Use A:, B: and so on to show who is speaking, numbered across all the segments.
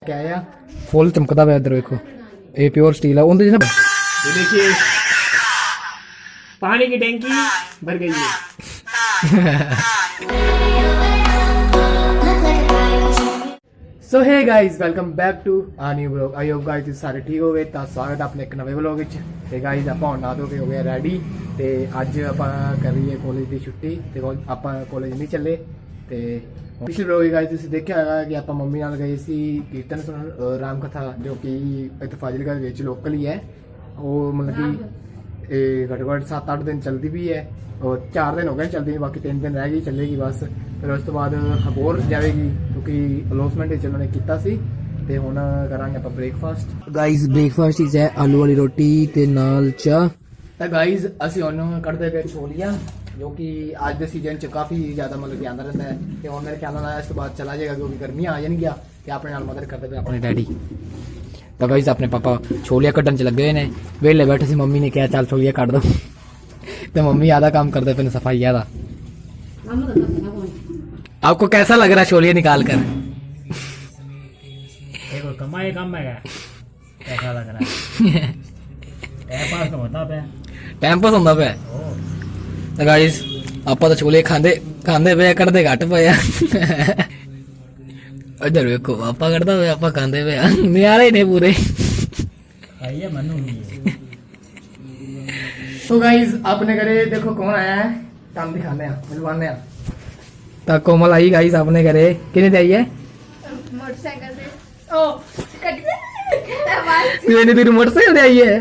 A: क्या आया फुल चमकदा पिया इधर देखो ये प्योर स्टील है उनके ना
B: ये देखिए पानी की टैंकी भर गई है।
A: So hey guys welcome back to a new vlog. I hope guys ਤੁਸੀਂ ਸਾਰੇ ਠੀਕ ਹੋਗੇ ਤਾਂ ਸਵਾਗਤ ਆਪਣੇ ਇੱਕ ਨਵੇਂ ਵਲੌਗ ਵਿੱਚ। ਤੇ ਗਾइस ਆਪਾਂ ਹੁਣ ਨਾ ਧੋ ਕੇ ਹੋ ਗਏ ਰੈਡੀ ਤੇ ਅੱਜ ਆਪਾਂ ਕਰ ਰਹੀਏ ਕਾਲਜ ਦੀ ਛੁੱਟੀ ਤੇ ਆਪਾਂ ਕਾਲਜ ਨਹੀਂ ਚੱਲੇ। ਤੇ ਪਿਛਲੇ ਵਲੌਗ ਗਾइस ਤੁਸੀਂ ਦੇਖਿਆ ਹੋਗਾ ਕਿ ਆਪਾਂ ਮੰਮੀ ਨਾਲ ਗਏ ਸੀ ਕੀਰਤਨ ਸੁਣਨ ਰਾਮ ਕਥਾ ਜੋ ਕਿ ਇੱਥੇ ਫਾਜ਼ਿਲਕਾ ਦੇ ਵਿੱਚ ਲੋਕਲ ਹੀ ਹੈ। ਉਹ ਮਤਲਬ ਕਿ ਇਹ ਘੱਟੋ ਘੱਟ 7-8 ਦਿਨ ਚੱਲਦੀ ਵੀ ਹੈ और 4 दिन हो गए चलती बाकी 3 दिन रह गई चलेगी बस। फिर उस तो बाद हबोर जाएगी क्योंकि अलोसमेंट उन्होंने किया सी ते हुण करांगे आपां ब्रेकफास्ट। गाइस ब्रेकफास्ट इज है आलू वाली रोटी ते नाल चाह। तो गाइस ਅਸੀਂ ਹੁਣ ਕੱਢਦੇ ਪਏ ਛੋਲੀਆਂ ਜੋ ਕਿ ਅੱਜ ਦੇ ਸੀਜ਼ਨ ਚ ਕਾਫੀ ਜ਼ਿਆਦਾ ਮਤਲਬ ਕਿ ਆਂਦਾ ਰਹਿੰਦਾ ਹੈ ਤੇ ਹੁਣ ਮੇਰੇ ਖਿਆਲ ਨਾਲ ਇਸ ਤੋਂ ਬਾਅਦ ਚਲਾ ਜਾਏਗਾ ਕਿਉਂਕਿ ਗਰਮੀਆਂ ਆ ਜਾਣਗੀਆਂ ਤੇ ਆਪਣੇ ਨਾਲ ਮਦਦ ਕਰਦੇ ਪਏ ਆਪਣੇ ਡੈਡੀ। ਤਾਂ गाइस ਆਪਣੇ ਪਾਪਾ ਛੋਲੀਆਂ ਕੱਢਣ ਚ ਲੱਗੇ ਹੋਏ ਨੇ ਵੇਲੇ ਬੈਠੇ ਸੀ ਮੰਮੀ ਨੇ ਕਿਹਾ ਚੱਲ ਛੋਲੀਆਂ ਕੱਢ ਦੋ तो मम्मी आधा काम करते पे सफाई आधा। आपको कैसा लग रहा है छोलिया निकाल कर?
B: कमाई कम है कैसा लग रहा है
A: टाइम पास होता पे। तो गाइस आप तो छोले खांदे खांदे पे कटते घट पे इधर देखो पापा करता पे आप खांदे पे नियारे ने पूरे। तो गाइस अपने घरे देखो कौन आया है काम दिखाने मिलवाने। तो कोमल आई गाइस अपने घरे किने आई है
C: मोटरसाइकिल से ओ कट
A: तेरी मोटरसाइकिल से आई है।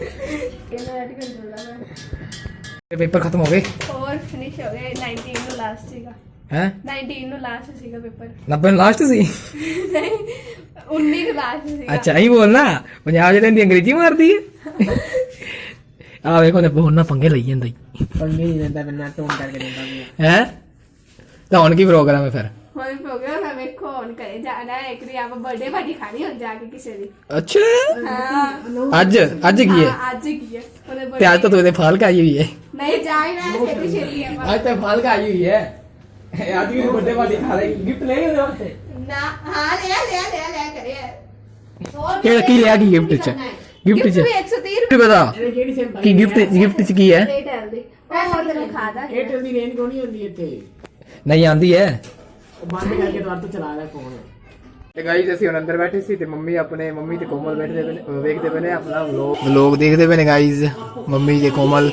A: पेपर खत्म हो गए
C: और फिनिश हो गए 19 ਨੂੰ ਲਾਸਟ ਸੀਗਾ
A: हैं
C: 19 ਨੂੰ ਲਾਸਟ ਸੀਗਾ ਪੇਪਰ
A: 90 लास्ट सी।
C: ਨਹੀਂ 19 ਨੂੰ ਲਾਸਟ ਸੀਗਾ।
A: अच्छा यही बोलना पंजाब च रहिंदी अंग्रेजी मारदी है। आ देखो ने बहुत ना पंगे लई ਜਾਂਦਾ
B: पंगे नहीं देता बिना टोन करके देता
A: है। तो हुन की प्रोग्राम है फिर?
C: ਹੁਣ ਪ੍ਰੋਗਰਾਮ ਹੈ ਵੇਖੋ ਹੁਣ ਕਰੇ ਜਾਣਾ ਹੈ ਇੱਕ ਦੀ ਆਪਾਂ ਬਰਥਡੇ ਪਾਰਟੀ ਖਾਣੀ ਹੁਣ ਜਾ ਕੇ ਕਿਸੇ ਦੀ।
A: अच्छा
C: ਹਾਂ
A: ਅੱਜ ਕੀ ਹੈ?
C: ਅੱਜ ਕੀ ਹੈ ਉਹਦੇ
A: ਤੇ ਅੱਜ ਤਾਂ ਤੂੰ ਇਹਦੇ ਫਾਲ ਕਾ ਆਈ ਹੋਈ ਹੈ।
C: ਨਹੀਂ ਜਾਣਾ ਛੇਤੀ ਛੇਤੀ ਆਪਾਂ
A: आज तो फल का आई हुई है आज की बर्थडे पार्टी खा रही गिफ्ट ले गए वास्ते
C: ਨਾ ਹਾਂ ਲੈ ਕਰੇ
A: केड़ा की लिया की गिफ्ट च गिफ्ट च
C: ਵੀ 130
A: तू बता की गिफ्ट च की है
C: एयरटेल ਦੀ ਉਹ ਹੋਰ ਤੈਨੂੰ ਖਾਦਾ
B: एयरटेल ਦੀ रेंज कोनी होंदी ਇੱਥੇ
A: नहीं आंदी है
B: ਉਹ ਬੰਦ ਕਰਕੇ ਦੁਆਰ ਤੋਂ ਚਲਾ ਰਿਹਾ ਫੋਨ।
A: ਤੇ ਗਾਈਸ ਅਸੀਂ ਹੁਣ ਅੰਦਰ ਬੈਠੇ ਸੀ ਤੇ ਮੰਮੀ ਤੇ ਕੋਮਲ ਬੈਠਦੇ ਪਏ ਵੇਖਦੇ ਪਏ ਨੇ ਆਪਣਾ ਵਲੌਗ ਦੇਖਦੇ ਪਏ ਨੇ ਗਾਈਸ ਮੰਮੀ ਤੇ ਕੋਮਲ।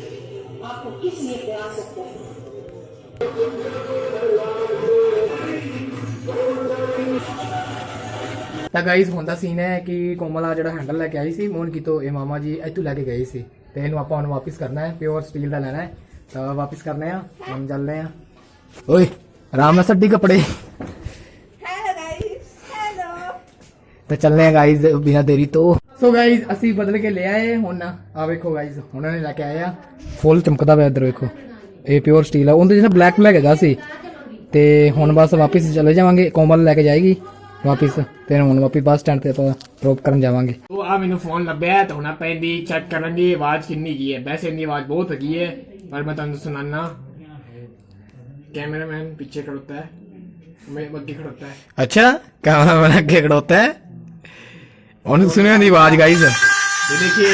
A: ਤਾਂ ਗਾਈਸ ਹੁਣ ਦਾ ਸੀਨ ਹੈ ਕਿ ਕੋਮਲ ਆ ਜਿਹੜਾ ਹੈਂਡਲ ਲੈ ਕੇ ਆਈ ਸੀ ਮੋਹਨ ਕੀਤੋਂ ਇਹ ਮਾਮਾ ਜੀ ਇੱਥੋਂ ਲੈ ਕੇ ਗਏ ਸੀ ਤੇ ਇਹਨੂੰ ਆਪਾਂ ਹੁਣ ਵਾਪਿਸ ਕਰਨਾ ਹੈ ਪਿਓਰ ਸਟੀਲ ਦਾ ਲੈਣਾ ਹੈ ਤਾਂ ਵਾਪਿਸ ਕਰਨੇ ਆ ਹੁਣ ਚੱਲਦੇ ਆ। ਓਏ ਆਰਾਮ ਨਾਲ ਸੱਡੀ ਕੱਪੜੇ
C: ਹੈਲੋ ਗਾਇਸ ਹੈਲੋ
A: तो चलने हैं गाइस बिना देरी तो। सो गाइस ਅਸੀਂ ਬਦਲ ਕੇ ਲੈ ਆਏ ਹੁਣ ਆ ਵੇਖੋ गाइस ਉਹਨਾਂ ਨੇ ਲੈ ਕੇ ਆਏ ਆ ਫੁੱਲ ਚਮਕਦਾ ਪਿਆ ਇੱਧਰ ਵੇਖੋ ਇਹ ਪਿਓਰ ਸਟੀਲ ਆ ਉਹਦੇ ਜਿਹੜਾ ਬਲੈਕ ਹੈਗਾ ਸੀ ਤੇ ਹੁਣ ਬਸ ਵਾਪਿਸ ਚਲੇ ਜਾਵਾਂਗੇ ਕੋਮਲ ਲੈ ਕੇ ਜਾਏਗੀ ਵਾਪਿਸ ਤੇ ਹੁਣ ਵਾਪਿਸ ਬੱਸ ਸਟੈਂਡ ਤੇ ਆਪਾਂ ਡ੍ਰੌਪ ਕਰਨ ਜਾਵਾਂਗੇ।
B: ਉਹ ਆ ਮੈਨੂੰ ਫੋਨ ਲੱਭਿਆ ਤਾਂ ਹੁਣ ਆਪਾਂ ਇਹਦੀ ਚੈੱਕ ਕਰਾਂਗੇ ਆਵਾਜ਼ ਕਿੰਨੀ ਕੀ ਹੈ। ਵੈਸੇ ਇਹਦੀ ਆਵਾਜ਼ ਬਹੁਤ ਹੈਗੀ ਹੈ ਪਰ ਮੈਂ ਤੁਹਾਨੂੰ ਸੁਣਾਣਾ। कैमरामैन पीछे खड़ोता है मैं आगे खड़ोता है।
A: अच्छा कैमरामैन आगे खड़ोता है उन्होंने सुनिया नहीं आवाज गाइस।
B: ये देखिए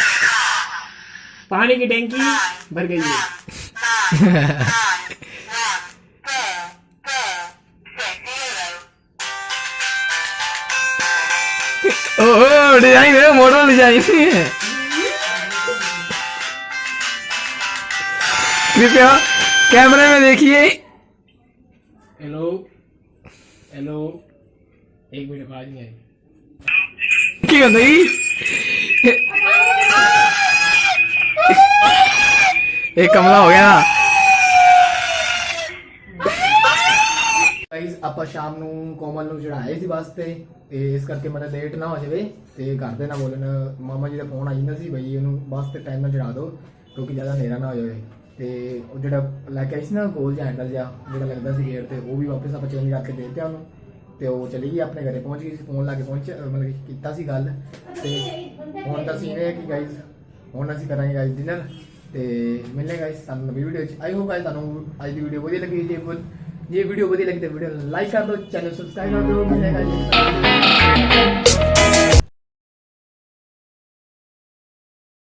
B: पानी की टैंकी भर गई है।
A: ओह डिजाइन है मॉडल डिजाइन है। कृपया कैमरे में देखिए।
B: हेलो हेलो एक मिनट आवाज नहीं आई
A: की होंदा जी एक कमला हो गया। गाइस ਆਪਾਂ ਸ਼ਾਮ ਨੂੰ ਕੋਮਲ ਨੂੰ ਚੜਾਏ ਸੀ ਵਾਸਤੇ ਤੇ ਇਸ ਕਰਕੇ ਮੇਰਾ ਲੇਟ ਨਾ ਹੋ ਜਾਵੇ ਤੇ ਘਰ ਦੇ ਨਾ ਬੋਲਣ ਮਾਮਾ ਜੀ ਦਾ ਫੋਨ ਆ ਜਾਂਦਾ ਸੀ ਬਈ ਇਹਨੂੰ ਬੱਸ ਤੇ ਟਾਈਮ ਨਾਲ ਚੜਾ ਦਿਓ ਕਿਉਂਕਿ ਜ਼ਿਆਦਾ ਹਨੇਰਾ ਨਾ ਹੋ ਜਾਵੇ। ਤੇ ਉਹ ਜਿਹੜਾ ਲੈ ਕੇ ਆਈ ਸੀ ਨਾ ਗੋਲ ਜਿਹਾ ਹੈਂਡਲ ਜਿਹਾ ਜਿਹੜਾ ਲੱਗਦਾ ਸੀ ਗੇਟ ਤੇ ਉਹ ਵੀ ਵਾਪਸ ਆਪਾਂ ਚੇਂਜ ਕਰਕੇ ਦੇ ਦਿੱਤਾ ਉਹਨੂੰ ਤੇ ਉਹ ਚਲੀ ਗਈ ਆਪਣੇ ਘਰੇ ਪਹੁੰਚ ਗਈ ਸੀ ਫੋਨ ਲਾ ਕੇ ਮਤਲਬ ਕਿ ਕੀਤਾ ਸੀ ਗੱਲ। ਤੇ ਹੁਣ ਤਾਂ ਸੀਨ ਹੈ ਕਿ ਗਾਈਜ਼ ਹੁਣ ਅਸੀਂ ਕਰਾਂਗੇ ਗਾਈਜ਼ ਡਿਨਰ ਤੇ ਮਿਲਨੇ ਗਾਈਜ਼ ਸਾਨੂੰ ਨਵੀਂ ਵੀਡੀਓ ਚ। ਆਈ ਹੋਪ ਗਾਈਜ਼ ਤੁਹਾਨੂੰ ਅੱਜ ਦੀ ਵੀਡੀਓ ਵਧੀਆ ਲੱਗੀ ਜੇ ਜੇ ਵੀਡੀਓ ਵਧੀਆ ਲੱਗੀ ਤਾਂ ਵੀਡੀਓ ਨੂੰ ਲਾਈਕ ਕਰ ਦਿਓ, ਚੈਨਲ ਸਬਸਕ੍ਰਾਈਬ ਕਰ ਦਿਓ। ਮਿਲੇਗਾ ਜੀ